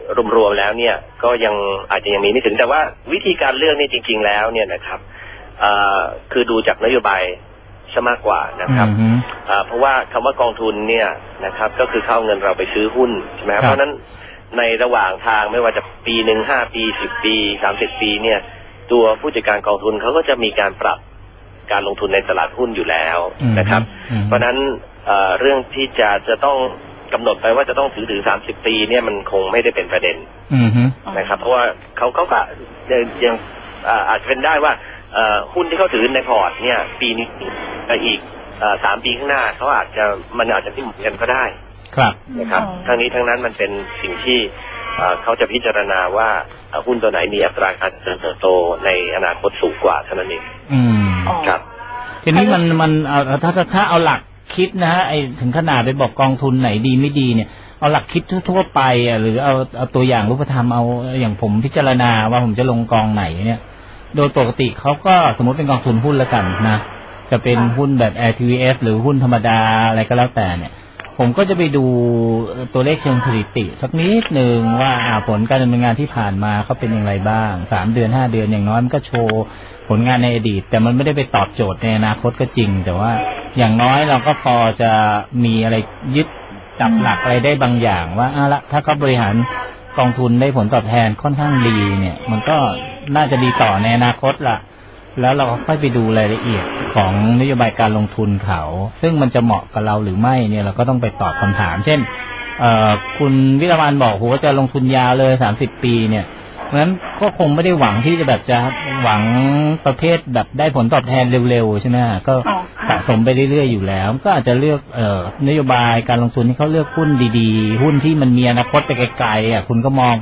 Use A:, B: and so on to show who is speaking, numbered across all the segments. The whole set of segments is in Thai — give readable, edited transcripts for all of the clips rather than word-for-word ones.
A: รวมๆแล้วเนี่ยก็ยังอาจจะยังมีไม่ถึงแต่ว่าวิธีการเลือกนี่จริงๆแล้วเนี่ยนะครับคือดูจากนโยบายซะมากกว่านะครับเพราะว่าคำว่ากองทุนเนี่ยนะครับก็คือเข้าเงินเราไปซื้อหุ้นใช่ไหมครับเพราะนั้นในระหว่างทางไม่ว่าจะปีหนึ่ง5 ปี10 ปี30 ปีเนี่ยตัวผู้จัดการกองทุนเขาก็จะมีการปรับการลงทุนในตลาดหุ้นอยู่แล้วนะครับเพราะนั้นเรื่องที่จะต้องกำหนดไปว่าจะต้องถือ30 ปีเนี่ยมันคงไม่ได้เป็นประเด็นนะครับเพราะว่าเขาก็ยังอาจจะเป็นได้ว่าหุ้นที่เขาถือในพอร์ตเนี่ยปีนี้อีก3 ปีข้างหน้ามันอาจจะที่เหมือนกันก็ได้
B: ครับ
A: นะครับทั้งนี้ทั้งนั้นมันเป็นสิ่งที่เขาจะพิจารณาว่าหุ้นตัวไหนมีอัตราการเติบโตในอนาคตสูงกว่าเท่านั้นเองครับ
B: ทีนี้มันถ้าเอาหลักคิดนะฮะไอถึงขนาดไปบอกกองทุนไหนดีไม่ดีเนี่ยเอาหลักคิดทั่วไปหรือเอาตัวอย่างรูปธรรมเอาอย่างผมพิจารณาว่าผมจะลงกองไหนเนี่ยโดยปกติเขาก็สมมติเป็นกองทุนหุ้นแล้วกันนะจะเป็นหุ้นแบบ LTF หรือหุ้นธรรมดาอะไรก็แล้วแต่เนี่ยผมก็จะไปดูตัวเลขเชิงสถิติสักนิดหนึ่งว่าผลการดำเนินงานที่ผ่านมาเขาเป็นอย่างไรบ้าง3 เดือน5 เดือนอย่างน้อยมันก็โชว์ผลงานในอดีตแต่มันไม่ได้ไปตอบโจทย์ในอนาคตก็จริงแต่ว่าอย่างน้อยเราก็พอจะมีอะไรยึดจับหลักอะไรได้บางอย่างว่าละถ้าเขาบริหารกองทุนได้ผลตอบแทนค่อนข้างดีเนี่ยมันก็น่าจะดีต่อในอนาคตล่ะแล้วเราก็ค่อยไปดูรายละเอียดของนโยบายการลงทุนเขาซึ่งมันจะเหมาะกับเราหรือไม่เนี่ยเราก็ต้องไปตอบคำถามเช่นคุณวิรวันบอกว่าจะลงทุนยาวเลย30 ปีเนี่ยเพราะฉะนั้นก็คงไม่ได้หวังที่จะแบบจะหวังประเภทแบบได้ผลตอบแทนเร็วๆใช่ไหมก็สะสมไปเรื่อยๆอยู่แล้วก็อาจจะเลือกนโยบายการลงทุนที่เขาเลือกหุ้นดีๆหุ้นที่มันมีอนาคตไปไกลๆคุณก็มองไป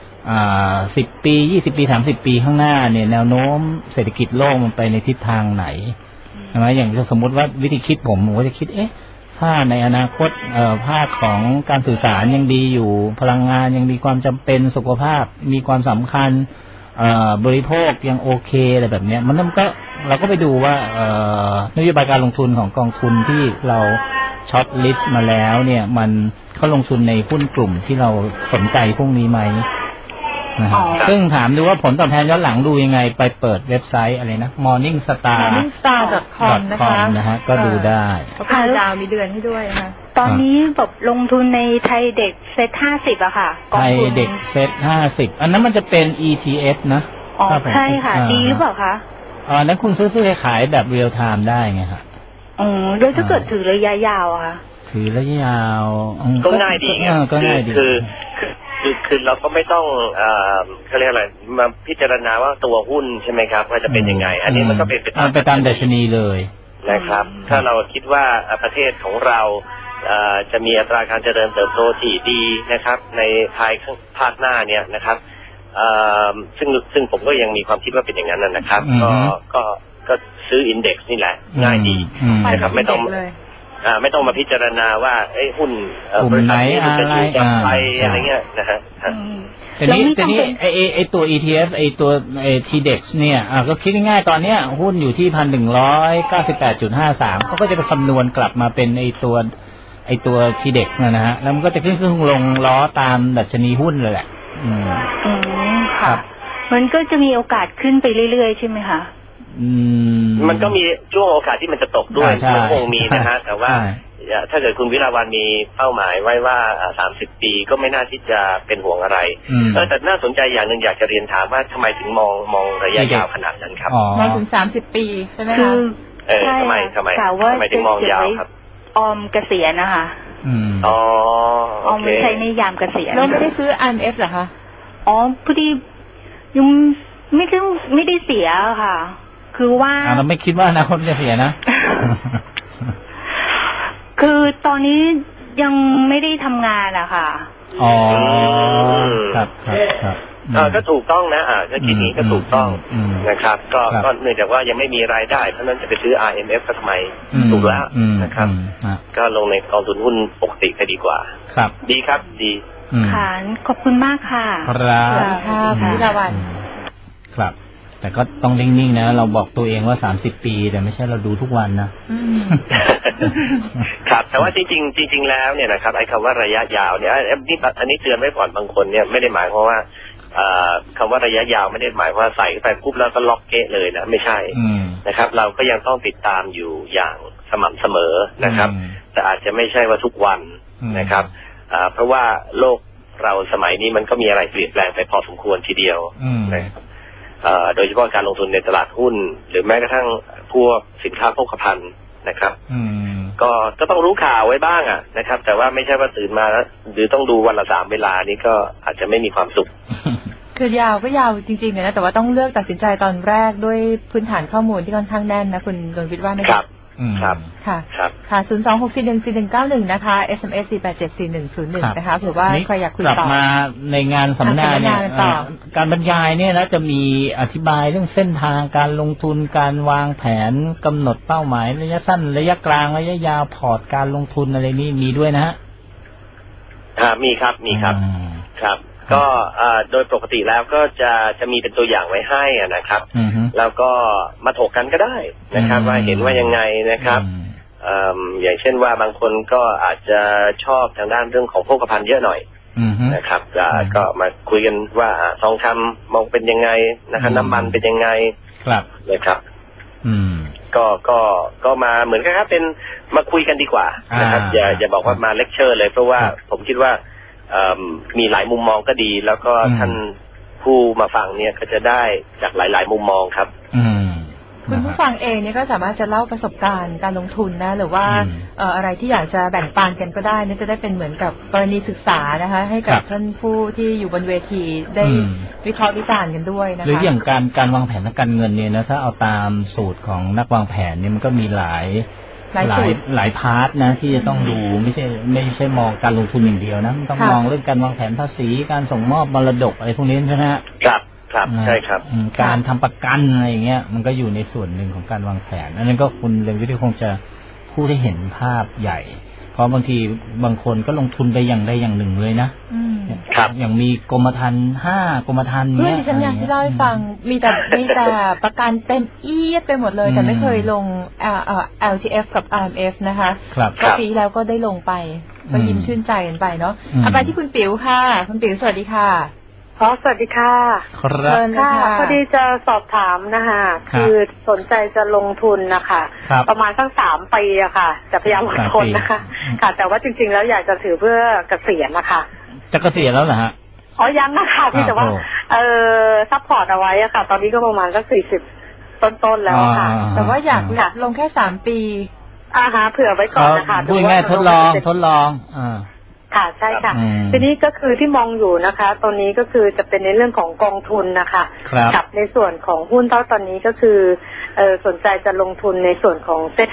B: 10 ปี20 ปี30 ปีข้างหน้าเนี่ยแนวโน้มเศรษฐกิจโลกมันไปในทิศทางไหนใช่ไหมอย่างสมมติว่าวิธีคิดผมก็จะคิดถ้าในอนาคตภาคของการสื่อสารยังดีอยู่พลังงานยังมีความจำเป็นสุขภาพมีความสำคัญบริโภคยังโอเคอะไรแบบนี้มันก็เราก็ไปดูว่านโยบายการลงทุนของกองทุนที่เราช็อตลิสต์มาแล้วเนี่ยมันเขาลงทุนในหุ้นกลุ่มที่เราสนใจพวกนี้ไหมซึ่งถามดูว่าผลตอบแทนย้อนหลังดูยังไงไปเปิดเว็บไซต์อะไรนะ morningstar.com นะฮะก็ดูได้
C: ค่ะดาวมีเดือนให้ด้วยนะคะ
D: ตอนนี้แบบลงทุนในไทยเด็กเซ็ต50อะค่ะ
B: ไทยเด็กเซ็ต50อันนั้นมันจะเป็น ETF นะ
D: ใช่ค่ะดีหรือเปล่าคะ
B: นั้นคุณซื้อขายแบบเรียลไทม์ได้ไงครับ
D: แล้วถ้าเกิดถือระยะยาวอะคะ
B: ถือระยะยาว
A: ก็ง่ายดี
B: ก็ง่ายดี
A: คือเราก็ไม่ต้องเขาเรียกอะไรมาพิจารณาว่าตัวหุ้นใช่ไหมครับว่าจะเป็นยังไงอันนี้มันก็เป็น
B: ไปตามดัชนีเลย
A: นะครับถ้าเราคิดว่าประเทศของเราจะมีอัตราการเจริญเติบโตที่ดีนะครับในภาคหน้าเนี่ยนะครับซึ่งผมก็ยังมีความคิดว่าเป็นอย่างนั้นนะครับก็ซื้ออินเด็กซ์นี่แหละง่ายดีนะครับไม่ต้องมาพิจารณาว่าหุ้น
B: กลุ่มไหน
A: อะไรอะไรเงี้ยนะฮะ
B: ทีนี้ไอตัว ETF ไอตัวTDEX เนี่ยก็คิดง่ายๆตอนเนี้ยหุ้นอยู่ที่ 1,198.53 เขาก็จะไปคำนวณกลับมาเป็นไอตัว TDEX นะฮะแล้วมันก็จะขึ้นลงล้อตามดัชนีหุ้นเลยแหละ
D: ค่ะมันก็จะมีโอกาสขึ้นไปเรื่อยๆใช่ไหมคะ
A: มันก็มีช่วงโอกาสที่มันจะตกด้วยมันคงมีนะฮะแต่ว่าถ้าเกิดคุณวิราวันมีเป้าหมายไว้ว่า30 ปีก็ไม่น่าที่จะเป็นห่วงอะไรแต่น่าสนใจอย่างหนึ่งอยากจะเรียนถามว่าทำไมถึงมองระยะยาวขนาดนั้นครับ
C: มองถึง30 ปีใช่ไหมคะ
A: ทำไมถึงมองยาวครับ
D: ออมเกษียณนะคะ
A: อ
D: อมไม่ใช่ในยามเกษียณ
C: เราไม่ได้ซื้อ IMF เหรอคะ
D: พอดียังไม่ได้เสียค่ะคือว่า
B: เราไม่คิดว่าอนาคตจะเสียนะ
D: คือตอนนี้ยังไม่ได้ทำงานอะค่ะ
B: ครับ
A: ก็ถูกต้องนะก็คิดนี้ก็ถูกต้องนะครับก็เนื่องจากว่ายังไม่มีรายได้เพราะนั้นจะไปซื้อ IMF ก็ทำไมถูกแล้วนะครับก็ลงในกองทุนหุ้นปกติก็ดีกว่า
B: ครับ
A: ดีครับดี
D: ค่ะขอบคุณมากค่ะ
B: ครับ
C: สวัสดีค่ะพี่วิราวัน
B: ครับทแต่ก็ต้องนิ่งๆนะเราบอกตัวเองว่า30 ปีแต่ไม่ใช่เราดูทุกวันนะ
A: ครับแต่ว่าจริงๆแล้วเนี่ยนะครับไอ้คำว่าระยะยาวเนี่ยอันนี้เตือนไว้ก่อนบางคนเนี่ยไม่ได้หมายความว่าคำว่าระยะยาวไม่ได้หมายว่าใส่ไปปุ๊บแล้วก็ล็อกเกะเลยนะไม่ใช่นะครับเราก็ยังต้องติดตามอยู่อย่างสม่ำเสมอนะครับแต่อาจจะไม่ใช่ว่าทุกวันนะครับเพราะว่าโลกเราสมัยนี้มันก็มีอะไรเปลี่ยนแปลงไปพอสมควรทีเดียวนะครับโดยเฉพาะการลงทุนในตลาดหุ้นหรือแม้กระทั่งพวกสินค้าโภคภัณฑ์นะครับก็ต้องรู้ข่าวไว้บ้างอ่ะนะครับแต่ว่าไม่ใช่ว่าตื่นมาแล้วหรือต้องดูวันละ3 เวลานี้ก็อาจจะไม่มีความสุข
C: คือยาวก็ยาวจริงๆนะแต่ว่าต้องเลือกตัดสินใจตอนแรกด้วยพื้นฐานข้อมูลที่ค่อนข้างแน่นนะคุณดวงวิทย์ว่าไหมครับ
A: ครับ
C: ค่ะค่ะ026414191นะคะ SMS 4874101นะคะเผื่อว่าใครอยากคุยต่อก
B: ลับมาในงานสัมมนาเนี่ยการบรรยายเนี่ยนะจะมีอธิบายเรื่องเส้นทางการลงทุนการวางแผนกำหนดเป้าหมายระยะสั้นระยะกลางระยะยาวพอร์ตการลงทุนอะไรนี่มีด้วยนะฮะ
A: มีครับครับก็โดยปกติแล้วก็จะมีเป็นตัวอย่างไว้ให้นะครับแล้วก็มาถกกันก็ได้นะครับว่าเห็นว่ายังไงนะครับอย่างเช่นว่าบางคนก็อาจจะชอบทางด้านเรื่องของโภคภัณฑ์เยอะหน่อยนะครับก็มาคุยกันว่าทองคำมองเป็นยังไงนะครับน้ำมันเป็นยังไงนะครับก็มาเหมือนกันครับเป็นมาคุยกันดีกว่านะครับอย่าบอกว่ามาเลคเชอร์เลยเพราะว่าผมคิดว่ามีหลายมุมมองก็ดีแล้วก็ท่านผู้มาฟังเนี่ยก็จะได้จากหลายๆมุมมองครับ
C: คุณผู้ฟังเองเนี่ยก็สามารถจะเล่าประสบการณ์การลงทุนนะหรือว่าอะไรที่อยากจะแบ่งปันกันก็ได้เนี่ยจะได้เป็นเหมือนกับกรณีศึกษานะคะให้กับท่านผู้ที่อยู่บนเวทีได้วิเคราะห์วิจารณ์กันด้วยนะคะ
B: หรืออย่างการวางแผนทางการเงินเนี่ยนะถ้าเอาตามสูตรของนักวางแผนเนี่ยมันก็มีหลายพาร์ทนะที่จะต้องดูไม่ใช่มองการลงทุนอย่างเดียวนะต้องมองเรื่องการวางแผนภาษีการส่งมอบมรดกอะไรพวกนี้ใช่ไหม
A: ครับใช่ครับ
B: การทำประกันอะไรอย่างเงี้ยมันก็อยู่ในส่วนหนึ่งของการวางแผนอันนั้นก็คุณเรืองวิทย์คงจะพูดให้เห็นภาพใหญ่เพราะบางทีบางคนก็ลงทุนไปอย่างใดอย่างหนึ่งเลยนะครับอย่างมีกรมธรรม์5 กรมธรรม์
C: เนี้ยฉันอยากที่เล่าให้ฟังมีแต่ประกันเต็มเอียดไปหมดเลยแต่ไม่เคยลงLTF กับ RMF นะคะก็ปีแล้วก็ได้ลงไปก็ยิ้มชื่นใจกันไปเนาะไปที่คุณปิ๋วค่ะคุณปิ๋วสวัสดีค่ะ
E: สวัสดีค่ะค่ะพอดีจะสอบถามนะคะคือสนใจจะลงทุนนะคะประมาณสัก3 ปีอะค่ะจะพยายามอดทนนะคะค่ะแต่ว่าจริงๆแล้วอยากจะถือเพื่อเกษียณนะคะ
B: จะเกษียณแล้วเหรอฮะ
E: ยังนะคะพี่แต่ว่าซัพพอร์ตเอาไว้อะค่ะตอนนี้ก็ประมาณสัก40 ต้นๆแล้วค่ะ
C: แต่ว่าอยากลงแค่3 ปี
E: เผื่อไว้ก่อนนะคะ
B: ดูง่ายทดลอง
E: ค่ะใช่ค่ะทีนี้ก็คือที่มองอยู่นะคะตอนนี้ก็คือจะเป็นในเรื่องของกองทุนนะคะกับในส่วนของหุ้นตอนนี้ก็คือสนใจจะลงทุนในส่วนของเซ็ต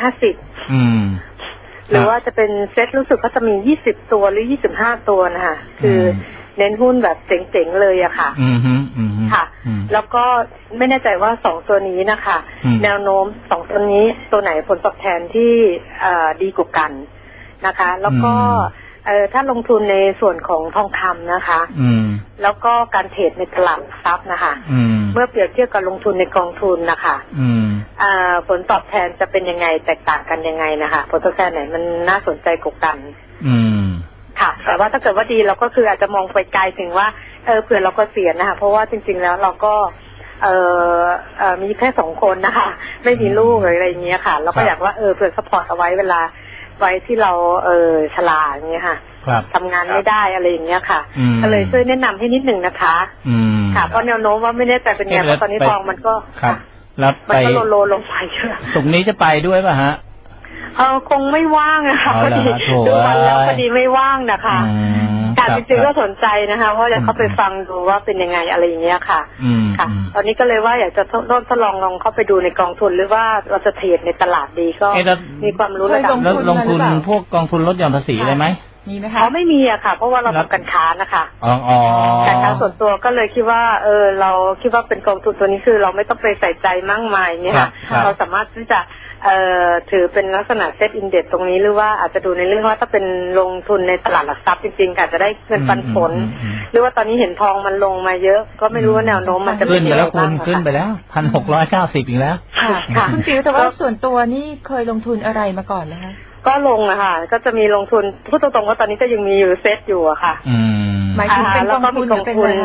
E: 50หรือว่าจะเป็นเซ็ตรู้สึกเขาจะมี20 ตัวหรือ25 ตัวนะคะคือเน้นหุ้นแบบเจ๋งๆเลยอะค่ะค่ะแล้วก็ไม่แน่ใจว่า2 ตัวนี้นะคะแนวโน้ม2 ตัวนี้ตัวไหนผลตอบแทนที่ดีกว่ากันนะคะแล้วก็ถ้าลงทุนในส่วนของทองคำนะคะแล้วก็การเทรดในตลาดทรัพย์นะคะเมื่อเปรียบเทียบกับลงทุนในกองทุนนะคะผลตอบแทนจะเป็นยังไงแตกต่างกันยังไงนะคะผลตอบแทนไหนมันน่าสนใจกว่ากันค่ะแต่ว่าถ้าเกิดว่าดีเราก็คืออาจจะมองไปไกลถึงว่าเผื่อเราก็เสียนะคะเพราะว่าจริงๆแล้วเราก็มีแค่2 คนนะคะไม่มีลูกอะไรอย่างเงี้ยค่ะเราก็อยากว่าเผื่อซัพพอร์ตเอาไว้เวลาไว้ที่เราชราอย่างเงี้ยค่ะทำงานไม่ได้อะไรอย่างเงี้ยค่ะก็เลยช่วยแนะนำให้นิดหนึ่งนะคะค่ะเพราะแนวโน้มว่าไม่แน่ใจเป็นไงเพราะตอนนี้ทองมันก็
B: แล้ว
E: มันก็โลลงไปเชื่อ
B: สุกนี้จะไปด้วยป่ะฮะ
E: คงไม่ว่างนะคะพอดีดูวันแล้วพอดีไม่ว่างนะคะการจริงๆก็สนใจนะคะเพราะจะเข้าไปฟังดูว่าเป็นยังไงอะไรอย่างเงี้ยค่ะค่ะตอนนี้ก็เลยว่าอยากจะทดลองเข้าไปดูในกองทุนหรือว่าเราจะเทรดในตลาดดีก็มีความรู้ระดับ
B: ลงทุนพวกกองทุนลดหย่อนภาษีได้ไหม
C: มีไหมคะ
E: อ๋อไม่มีอะค่ะเพราะว่าเราทำการค้านะคะ
B: การ
E: ค้าส่วนตัวก็เลยคิดว่าเราคิดว่าเป็นกองทุนตัวนี้คือเราไม่ต้องไปใส่ใจมากมายเนี่ยค่ะเราสามารถที่จะถือเป็นลักษณะเซตอินเด็กซ์ตรงนี้หรือว่าอาจจะดูในเรื่องว่าถ้าเป็นลงทุนในตลาดหลักทรัพย์จริงๆอาจจะได้เงินปันผลหรือว่าตอนนี้เห็นทองมันลงมาเยอะก็ไม่รู้ว่าแนวโน้มมันจะ
B: ขึ้นไปแล้วคุณขึ้นไปแล้ว1,690อีกแล้ว
C: ค่ะคุณฟิวแต่ว่าส่วนตัวนี่เคยลงทุนอะไรมาก่อนไหมคะ
E: ก็ลงอะค่ะก็จะมีลงทุนพูดตรงๆว่าตอนนี้ก็ยังมีอยู่เซตอยู่อะค่ะ
C: หมายถึงเป็นกองทุน